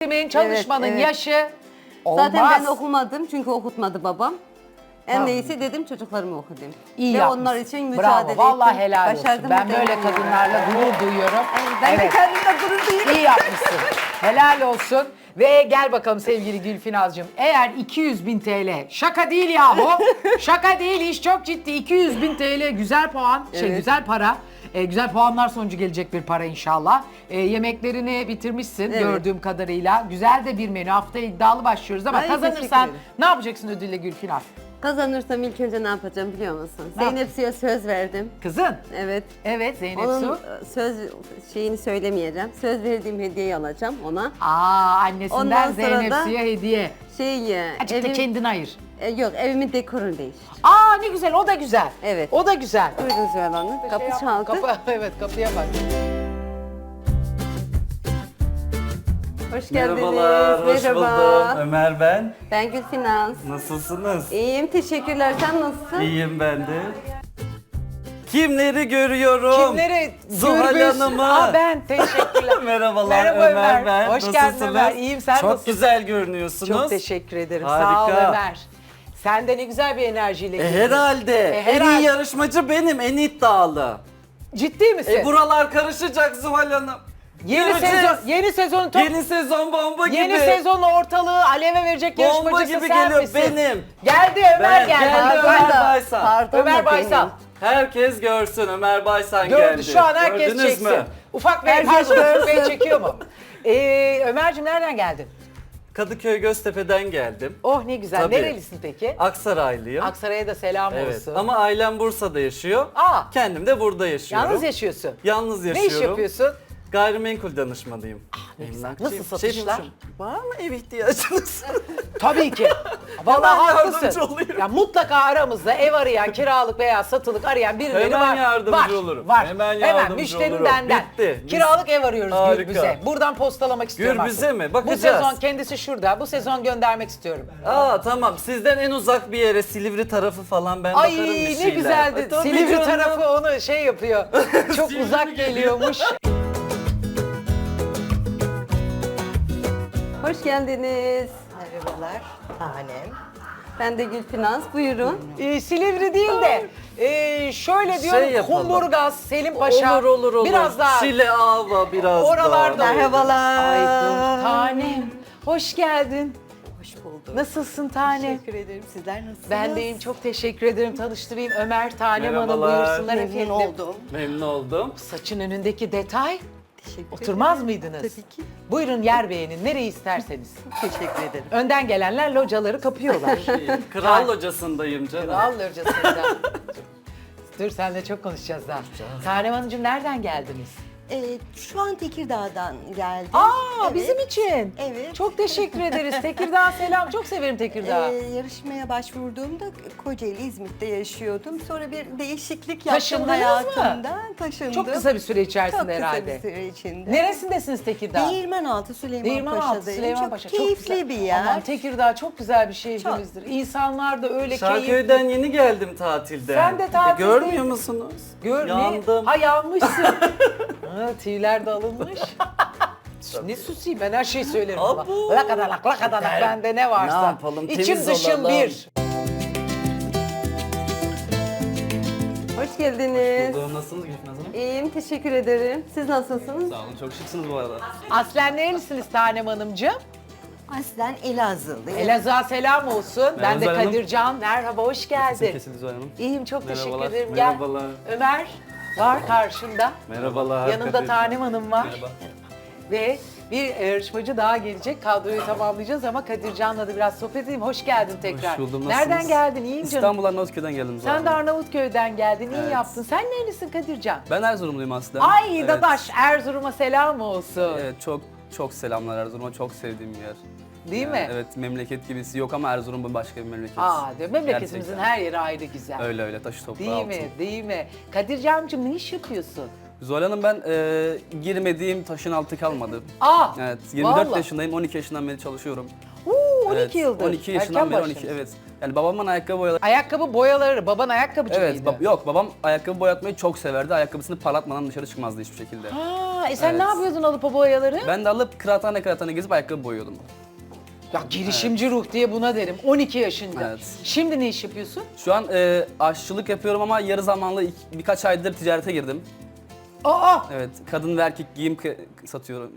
eğitimin, çalışmanın Evet, evet. yaşı olmaz. Zaten ben okumadım çünkü okutmadı babam. En Tamam. iyisi dedim çocuklarımı okutayım. İyi Ve yapmışsın. onlar için Bravo. mücadele ettim. Vallahi helal olsun. Başardım Ben da böyle eminim. kadınlarla gurur duyuyorum. Ben de kendimle gurur duyuyorum. İyi yapmışsın. Helal olsun. Ve gel bakalım sevgili Gülfinaz'cığım. Eğer 200.000 TL, şaka değil yahu. Şaka değil, iş çok ciddi. 200.000 TL güzel puan, Evet. güzel para. Güzel puanlar sonucu gelecek bir para inşallah. Yemeklerini bitirmişsin Evet. gördüğüm kadarıyla. Güzel de bir menü. Haftaya iddialı başlıyoruz ama Ay, teşekkür kazanırsan ederim. ne yapacaksın ödülle Gülfinaz? Kazanırsam ilk önce ne yapacağım biliyor musun? Ne Zeynep Su'ya söz verdim. Kızın. Evet. Evet Zeynep Onun Su. söz şeyini söylemeyeceğim. Söz verdiğim hediyeyi alacağım ona. Annesinden Ondan sonra Zeynep da- Su'ya hediye. Azıcık da kendin ayır. Yok, evimin dekorunu değiş. Ne güzel, o da güzel. Evet. O da güzel. Buyurun Zühal Hanım. Kapı çaldı. Kapı, evet kapıya bak. Hoş geldiniz. Merhabalar, hoş buldum. Ömer ben. Ben Gülfinaz. Nasılsınız? İyiyim, teşekkürler. Sen nasılsın? İyiyim ben de. Kimleri görüyorum? Kimleri Zuhal gürbüz? Hanım'ı. Ben teşekkürler. Merhabalar Merhaba Ömer ben. Hoş geldin Nasılsınız? Ömer. İyiyim, sen Çok nasılsın? güzel görünüyorsunuz. Çok teşekkür ederim. Harika. Sağ ol Ömer. Sen de ne güzel bir enerjiyle geldin. Herhalde. En herhalde. iyi yarışmacı benim, en iddialı. Ciddi misin? Buralar karışacak Zuhal Hanım. Yeni Göreceğiz. sezon, yeni sezon top. Yeni sezon bomba gibi. Yeni sezon ortalığı aleve verecek Bomba yarışmacısı gibi sen geliyor misin? benim. Geldi Ömer Ben geldi. geldim. Ömer, Ömer Baysal. Pardon Ömer da Baysal. benim. Herkes görsün Ömer Baysan Gördü geldi. şu an herkes Gördünüz çeksin. mü? Ufak Bey, Herkes pardon Ufak Bey görsün. çekiyor mu? Ömerciğim nereden geldin? Kadıköy Göztepe'den geldim. Oh ne güzel. Tabii. Nerelisin peki? Aksaraylıyım. Aksaray'a da selam Evet. olsun. Ama ailem Bursa'da yaşıyor. Kendim de burada yaşıyorum. Yalnız yaşıyorsun. Yalnız Ne yaşıyorum. iş yapıyorsun? Gayrimenkul danışmanıyım. Nasıl satışlar? Var mı ev ihtiyacınız? Tabii ki. Vallahi Hemen haklısın. yardımcı olayım. Ya mutlaka aramızda ev arayan, kiralık veya satılık arayan birileri Hemen var. yardımcı var, olurum. Var. Hemen yardımcı müşterim olurum. benden. Bitti. Biz- Kiralık ev arıyoruz Harika. Gürbüz'e. Buradan postalamak istiyorum Gürbüz'e artık. mi? Bu Bakacağız. sezon kendisi şurada. Bu sezon göndermek istiyorum. Tamam. Sizden en uzak bir yere Silivri tarafı falan ben Ay bakarım bir ne şeyler. güzeldi. Tabii Silivri canım. tarafı onu şey yapıyor. Çok Silivri uzak geliyormuş. Hoş geldiniz. Merhabalar, tanem. Ben de Gülfinaz. Buyurun. Silivri değil de şöyle diyorum yapalım. Kumburgaz, Selim Paşa. Olur. Biraz daha Şile Ava biraz oralarda. daha. Merhabalar. Ay dur tanem. Hoş geldin. Hoş bulduk. Nasılsın tanem? Teşekkür ederim. Sizler nasılsınız? Ben deyim, çok teşekkür ederim. Tanıştırayım Ömer Tanem Hanım, Merhabalar. buyursunlar Memnun efendim. oldum. Memnun oldum. Saçın önündeki detay, Teşekkür oturmaz ederim. mıydınız? Tabii ki. Buyurun yer beğenin, nereyi isterseniz. Teşekkür ederim. Önden gelenler locaları kapıyorlar. Kral locasındayım canım. Kral locasında. Dur senle çok konuşacağız daha. Tanem Hanımcığım nereden geldiniz? Şu an Tekirdağ'dan geldim. Evet. Bizim için. Evet. Çok teşekkür ederiz. Tekirdağ selam. Çok severim Tekirdağ. Yarışmaya başvurduğumda Kocaeli, İzmit'te yaşıyordum. Sonra bir değişiklik yaptım Taşındınız mı? hayatımda. Taşındım. Çok kısa bir süre içerisinde Çok kısa herhalde. bir süre içinde. Neresindesiniz Tekirdağ? Değirmenaltı Süleymanpaşa'dayım. Değirmenaltı Süleymanpaşa. Çok keyifli bir yer. Aman Tekirdağ çok güzel bir şehrimizdir. İnsanlar da öyle Şarköy'den keyifli. yeni geldim tatilden. Sen de tatildeydin. Görmüyor musunuz? Yandım. Ha yanmışsın. Tüyler de alınmış. Ne susayım ben her şeyi söylerim ama. Abo. Lakadalak lakadalak bende ne varsa. Ne yapalım, İçim temiz dışım olalım. bir. Hoş geldiniz. Nasılsınız Gülfin Hanım? İyiyim, teşekkür ederim. Siz nasılsınız? Sağ olun, çok şıksınız bu arada. Aslen nerelisiniz Tanem Hanımcığım? Aslen Elazığlıyım. Elazığ'a selam olsun. Ben de Zuhal Hanım. Kadircan. Merhaba, hoş geldin. Kesildi Zuhal Hanım. İyiyim, çok teşekkür Merhabalar, ederim. Gel. merhabalar. Ömer var karşında. Merhabalar. Yanında Kadir. Tanem Hanım var. Merhaba. Ve bir yarışmacı daha gelecek. Kadroyu tamamlayacağız ama Kadircan'la da biraz sohbet edeyim. Hoş geldin tekrar. Hoş buldum. Nereden Nasılsınız? geldin? İyiyim canım. İstanbul Arnavutköy'den geldim zaten. Sen de Arnavutköy'den geldin. İyi Evet. yaptın. Sen nerelisin Kadircan? Ben Erzurumluyum aslında. Ay Evet. dadaş Erzurum'a selam olsun. Evet, çok selamlar Erzurum'a. Çok sevdiğim bir yer. Değil Yani mi? Evet, memleket gibisi yok ama Erzurum başka bir memleket. Diyor, memleketimizin Gerçekten. her yeri ayrı güzel. Öyle taşı toprağı Değil altın. mi? Değil mi? Kadircancığım ne iş yapıyorsun? Zuhal Hanım ben girmediğim taşın altı kalmadı. Evet, 24 vallahi. yaşındayım, 12 yaşından beri çalışıyorum. 12 Evet, yıldır. 12 yaşından Erken beri 12, başlamışsın. evet. Yani babamın ayakkabı boyaları... Ayakkabı boyaları, baban ayakkabıcı Evet, mıydı? yok babam ayakkabı boyatmayı çok severdi. Ayakkabısını parlatmadan dışarı çıkmazdı hiçbir şekilde. Sen ne Evet. yapıyordun alıp o boyaları? Ben de alıp kıraathane gezip ayakkabı boyuyordum. Ya girişimci ruh diye buna derim. 12 yaşında. Evet. Şimdi ne iş yapıyorsun? Şu an aşçılık yapıyorum ama yarı zamanlı birkaç aydır ticarete girdim. Aa! Evet, kadın ve erkek giyim satıyorum.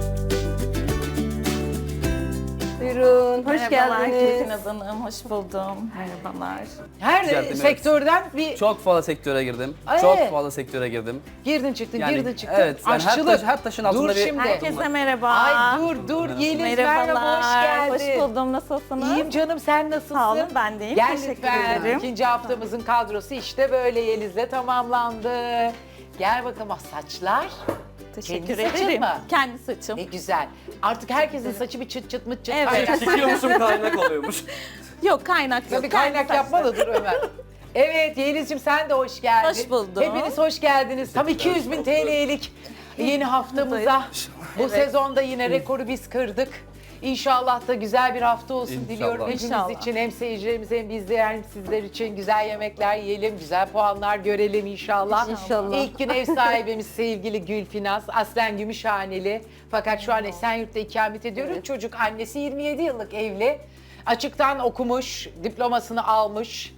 Buyurun, hoş Merhabalar geldiniz. Gülfin Hanım, hoş buldum. Merhabalar. Her Ticaretim, evet. sektörden bir Çok fazla sektöre girdim. Ay. Çok fazla sektöre girdim. girdin çıktın, Yani, girdin çıktın. evet, yani Aşçılık. her taşın altında Dur bir- şimdi. Herkese merhaba. Ay dur Yeliz merhaba, hoş geldin. Hoş buldum, nasılsınız? İyiyim canım, sen nasılsın? Sağ olun, ben de iyiyim. Gel Teşekkür lütfen. ederim. İkinci haftamızın kadrosu işte böyle Yeliz'le tamamlandı. Gel bakalım, Teşekkür Kendi saçın ederim. mı? Kendi saçım. ne güzel. Artık herkesin saçı bir çıt çıt mıt çıt. Evet. kaynak. Çekiyormuşum kaynak oluyormuş. Yok, kaynak yok. Bir kaynak Kendi yapma da dur Ömer. Evet Yeliz'ciğim, sen de hoş geldin. Hoş buldum. Hepiniz hoş geldiniz. Tam 200.000 TL'lik yeni haftamıza. Bu sezonda yine rekoru biz kırdık. İnşallah da güzel bir hafta olsun İnşallah. diliyorum hepimiz İnşallah. için. Hem seyircilerimiz hem bizler hem sizler için güzel yemekler yiyelim, güzel puanlar görelim inşallah. İnşallah. İlk gün ev sahibimiz sevgili Gülfinaz, aslen Gümüşhaneli. Fakat şu an Esenyurt'ta ikamet ediyor. Evet. Çocuk, annesi 27 yıllık evli. Açıktan okumuş, diplomasını almış.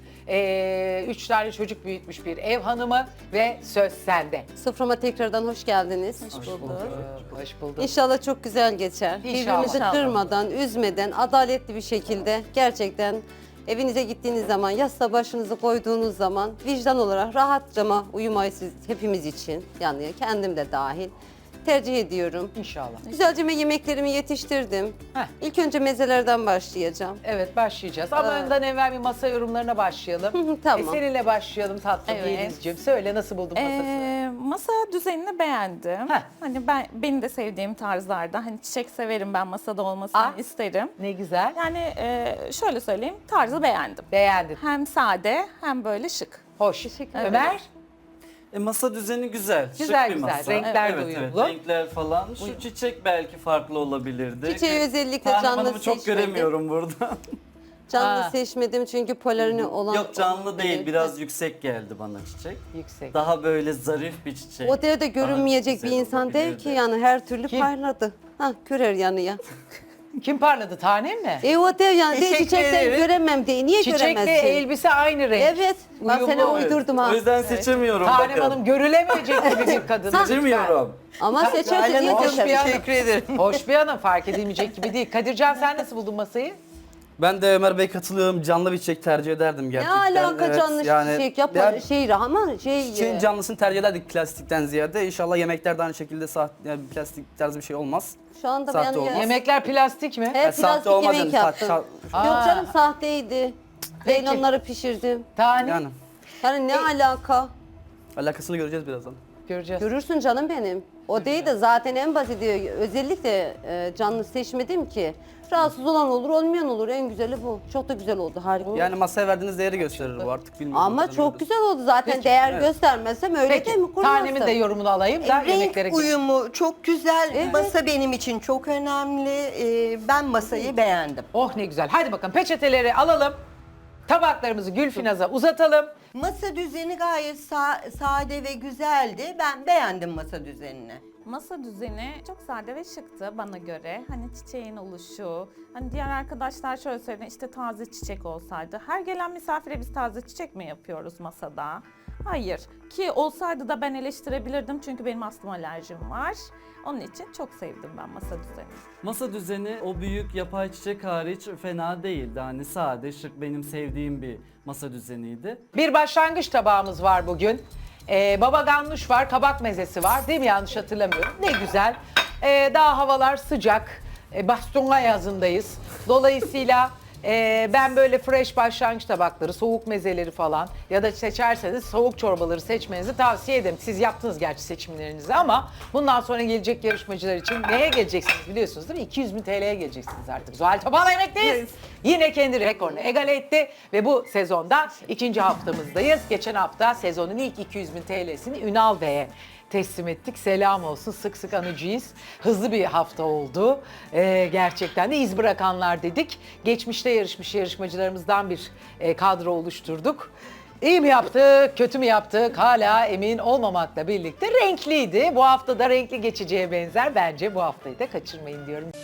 3 tane çocuk büyütmüş bir ev hanımı ve söz sende. Soframa tekrardan hoş geldiniz. Hoş bulduk. Hoş bulduk. İnşallah çok güzel geçer. İnşallah. Birbirimizi kırmadan, üzmeden, adaletli bir şekilde gerçekten evinize gittiğiniz zaman, yastığa başınızı koyduğunuz zaman vicdan olarak rahatça uyumayı siz hepimiz için, yani kendim de dahil tercih ediyorum. İnşallah. Güzelce yemeklerimi yetiştirdim. Heh. İlk önce mezelerden başlayacağım. Evet, başlayacağız ama ondan evvel bir masa yorumlarına başlayalım. Tamam. Seninle başlayalım tatlım Evet. Yeliz'ciğim. Söyle, nasıl buldun masasını? Masa düzenini beğendim. Heh. Hani benim de sevdiğim tarzlarda. Hani çiçek severim, ben masada olmasını Ah. isterim. Ne güzel. Yani şöyle söyleyeyim, tarzı beğendim. Beğendin. Hem sade hem böyle şık. Hoş. Ömer? Masa düzeni güzel. Güzel, şık bir güzel. masa. Renkler de evet, uyumlu. Evet, renkler falan. Şu çiçek belki farklı olabilirdi. Çiçeği özellikle Tanem canlı Hanım'ı çok seçmedim. göremiyorum burada. Canlı Aa. seçmedim çünkü polarini olan... Yok canlı değil, Evet. biraz yüksek geldi bana çiçek. Yüksek. Daha böyle zarif bir çiçek. O derece görünmeyecek bir güzel insan değil olabilirdi. ki, yani her türlü Kim? parladı. Ha, körer yanıya. Kim parladı? Tanem mi? O dev yani Teşekkür çiçekleri ederim. göremem diye. Niye Çiçekle göremezsin? elbise aynı renk. Evet. Ben Uyumlu. sana Evet. uydurdum ha. O yüzden seçemiyorum. Tanem bakın. Hanım görülemeyecek gibi bir kadın. Seçemiyorum. Ama seçerse niye Hoş bir seçersin? hanım. ederim. Hoş bir hanım, fark edilmeyecek gibi değil. Kadircan, sen nasıl buldun masayı? Ben de Ömer Bey katılıyorum. Canlı bir çiçek tercih ederdim Ne gerçekten. alaka Evet, canlı çiçek yapma yani ama çiçeğin canlısını tercih ederdik plastikten ziyade. İnşallah yemekler de aynı şekilde yani plastik tarzı bir şey olmaz. şu anda Sahte ben olmaz. Yemekler plastik mi? hep Yani sahte plastik olmaz yemek yani. yaptım. Aa. Yok canım, sahteydi. Peki. Leylonları pişirdim. Tanem. Yani Yani ne alaka? alakasını göreceğiz birazdan. Göreceğiz. Görürsün canım benim. O değil de zaten en basiti, özellikle canlı seçmedim ki. Rahatsız olan olur, olmayan olur. En güzeli bu. Çok da güzel oldu, harika. Yani masaya verdiğiniz değeri gösterir bu artık bilmiyorum. Ama çok güzel oldu zaten. Değer göstermezsem öyle Peki, değil mi? Kurmazsın. Tanem'in de yorumunu alayım da yemeklere Renk uyumu çok güzel. Masa benim için çok önemli. Ben masayı beğendim. Oh ne güzel. Hadi bakalım, peçeteleri alalım. Tabaklarımızı Gülfinaz'a uzatalım. Masa düzeni gayet sade ve güzeldi. Ben beğendim masa düzenini. Masa düzeni çok sade ve şıktı bana göre. Hani çiçeğin oluşu, hani diğer arkadaşlar şöyle söyledi, işte taze çiçek olsaydı. Her gelen misafire biz taze çiçek mi yapıyoruz masada? Hayır. Ki olsaydı da ben eleştirebilirdim çünkü benim astım alerjim var. Onun için çok sevdim ben masa düzenini. Masa düzeni o büyük yapay çiçek hariç fena değildi. Hani sade, şık, benim sevdiğim bir masa düzeniydi. Bir başlangıç tabağımız var bugün. Baba ganoush var, kabak mezesi var. Değil mi? Yanlış hatırlamıyorum. Ne güzel. Daha havalar sıcak. Bastonga yazındayız. Dolayısıyla ben böyle fresh başlangıç tabakları, soğuk mezeleri falan ya da seçerseniz soğuk çorbaları seçmenizi tavsiye ederim. Siz yaptınız gerçi seçimlerinizi ama bundan sonra gelecek yarışmacılar için neye geleceksiniz biliyorsunuz değil mi? 200.000 TL'ye geleceksiniz artık. Zuhal Topal'la yemekteyiz. Yine kendi rekorunu egale etti ve bu sezonda ikinci haftamızdayız. Geçen hafta sezonun ilk 200.000 TL'sini Ünal Bey'e teslim ettik. Selam olsun, sık sık anıcıyız. Hızlı bir hafta oldu. Gerçekten de iz bırakanlar dedik. Geçmişte yarışmış yarışmacılarımızdan bir kadro oluşturduk. İyi mi yaptık, kötü mü yaptık hala emin olmamakla birlikte renkliydi. Bu hafta da renkli geçeceğe benzer. Bence bu haftayı da kaçırmayın diyorum.